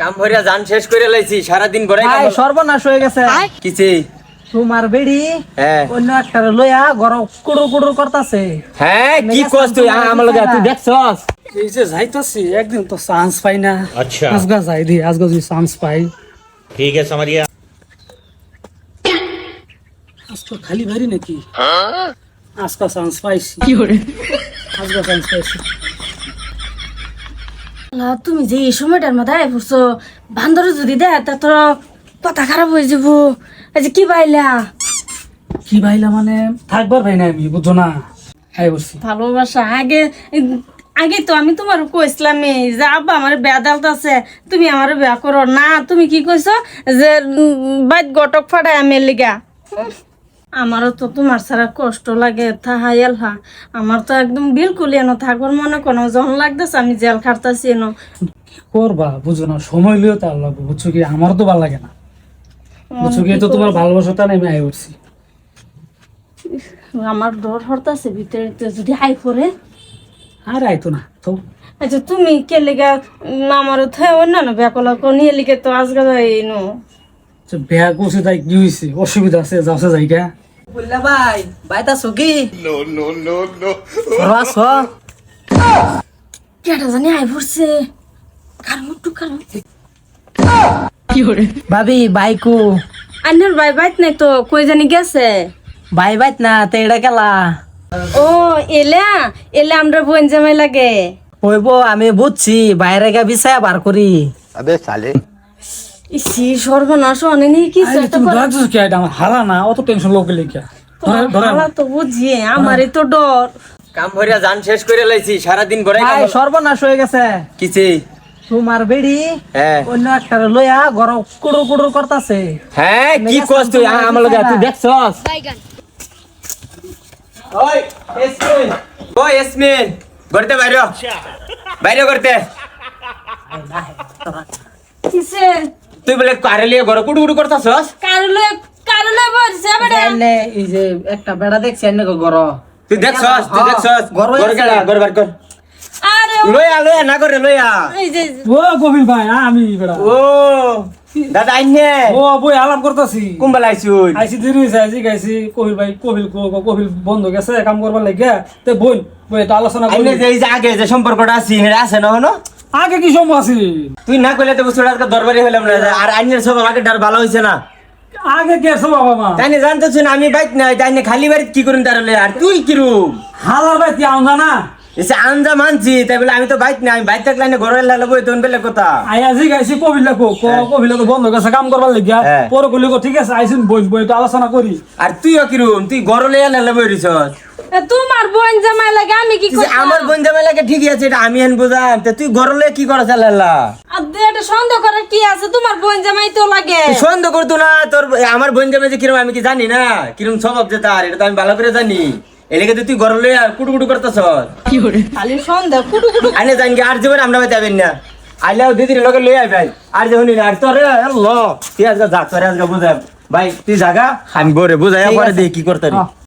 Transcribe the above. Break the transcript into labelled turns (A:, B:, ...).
A: কাম ভরিয়া জান শেষ করে লাইছি সারাদিন গড়াই
B: ভাই সর্বনাশ হয়ে গেছে
A: কিছে
B: তোমার বেড়ি
A: হ্যাঁ
B: অন্য একটা লইয়া গরম কুড়ুর কুড়ুর করতেছে।
A: হ্যাঁ কি কস তুই আমার লগে তুই দেখছস
C: এই যে যাইতাছি একদিন তো চান্স পাই না।
D: अच्छा
C: আজগা যাই দি আজগা যদি চান্স পাই
D: ठीक है समझ गया
C: আজকে খালি ভারি নাকি আজকা চান্স পাইছি আজকা চান্স পাইছি।
E: তুমি যে এই সময়টার মধ্যে পড়ছো বান্দর যদি দেয় তা তোর কথা খারাপ হয়ে যাব। এই যে কি পাইলা
C: কি ভাইলা মানে থাকবার ভাই না আমি বুঝছো না হ্যাঁ বলছি
E: ভালোবাসা আগে আগে তো আমি তোমার কইছিলাম যে আব্বা আমার বেদালত আছে তুমি আমার বিয়া করো না। তুমি কি কইছো যে বাইত গটক ফাটাই আমি লিগা। আমারও তো তোমার ছাড়া কষ্ট লাগে থাহা এলহা আমার তো একদম বিলকুল এনো থাকবার মনে কোনো জন লাগতেছে আমি জেল খাটতাছি এনো।
C: করবা বুঝো না সময় লিও তার লাগবে বুঝছো কি আমারও তো ভালো লাগে না বুঝছো কি তো তোমার ভালোবাসাটা নেমে আই উঠছি।
E: আমার ডর হরতাছে ভিতরে তো যদি হাই করে।
C: আর আইতো না তো
E: আচ্ছা তুমি কে লিগা আমারও তো অন্যান্য ব্যাকলা নিয়ে লিখে তো আজকে যাইনো।
C: বিয়া করছে তাই কি হয়েছে অসুবিধা আছে যাচ্ছে জায়গা
B: বুঝলা ভাই বাইতাছো কি আস
E: কেটা জানি আই পড়ছে কারণ একটু কারণ
B: ভাবি বাইকু
E: আন্নার ভাই বাইত নাই তো কই জানি গেছে।
B: ভাই বাইত না তো এটা কেলা
E: ও এলা এলা আমরা বোন জামাই লাগে
B: হইব আমি বুঝছি বাইরে গা বিছায়া বার করি।
E: ইসি সর্বনাশ অনেক কিছু একটা
C: তুমি ধরাচ্ছ কি এটা আমার হারা না অত টেনশন লোকে লিখা ধরে
E: হালা তো বুঝি আমারই তো ডর।
A: কাম ভরিয়া জান শেষ করে লাইছি সারাদিন গড়াই
B: ভাই সর্বনাশ হয়ে গেছে
A: কিছে
B: তোমার বেড়ি
A: হ্যাঁ
B: অন্য একটা লইয়া গরম কুড়ুর কুড়ুর করতেছে।
A: হ্যাঁ কি কস তুই আমার লগে তুই দেখছস ওই এসমিন ওই এসমিন গড়তে বাইরে বাইরে করতে
E: কিসে
A: তুই বলে কারে লিয়ে ঘর কুড়ুকুড়ু করতাছস
E: কারলে বলছে বেটা
B: এনে এই যে একটা বেড়া দেখছি এনে গর
A: তুই দেখছস
B: ঘর
A: ঘর গেলা ঘর বার কর
E: আরে
A: লইয়া লইয়া না করে লইয়া
E: এই যে
C: ও কবির ভাই আমি বেড়া
A: ও দাদা আইনে
C: ও বই আলাপ করতেছি
A: কুম্বাল আইছুন
C: আইসি দেরি হয়েছে আইসি গাইছি কবির ভাই কবির বন্ধ গেছে কাম করবার লাগে তে বোন বই এটা আলোচনা করি
A: আইনে যে এই যে আগে যে সম্পর্কটা আছে হেরা আছে না হনো
C: আগে কি সময় আছে
A: তুই না কইলে তো বুঝছস আজকে দরবারি হইলাম না আর আইনের সব আগে ডার ভালো হইছে না
C: আগে কে সব বাবা মা
A: তাইনে জানতেছ না আমি বাইক নাই তাইনে খালি বাড়ি কি করুন তারলে আর তুই কিরুম
C: হালার ভাই কি আউন জানা
A: এসে আনজা মানছি তাই বলে আমি তো বাইক নাই আমি বাইক থাকলে ঘরে লাগাবো তোন বেলে কথা
C: আইয়াজি গাইছি কবির লাগো কবির তো বন্ধ গেছে কাম করবার লাগিয়া
A: হ্যাঁ।
C: পরে কইলে ঠিক আছে আইসিন বই বই তো আলোচনা করি
A: আর তুইও কিরুম তুই ঘরে লেয়া লাগাবো রিসস
E: তোমার বোন জামাই লাগে আমি কি করি
A: আমার বোন জামাই লাগে ঠিকই আছে এটা আমি হেন বুঝাম তা তুই ঘরে লেয়া কি করা চালালা
E: আর এটা সন্দেহ করার কি আছে তোমার বোন জামাই তো লাগে।
A: তুই সন্দেহ করতো না তোর আমার বোন জামাই যে কিরম আমি কি জানি না কিরম স্বভাব যে তার এটা তো আমি ভালো করে জানি এলাকা তুই ঘরে লেয়া কুটুকুটু করতেছ
E: খালি সন্দেহ কুটু কুটু
A: আইনে জানি কি আর জীবন আমরা যাবেন না আইলেও দিদির লগে লই আইবেন আর যখন আর তোরে ল তুই আজকে যা তোরে আজকে বুঝাম ভাই তুই জাগা আমি বরে বুঝাই পরে দেখি কি করতে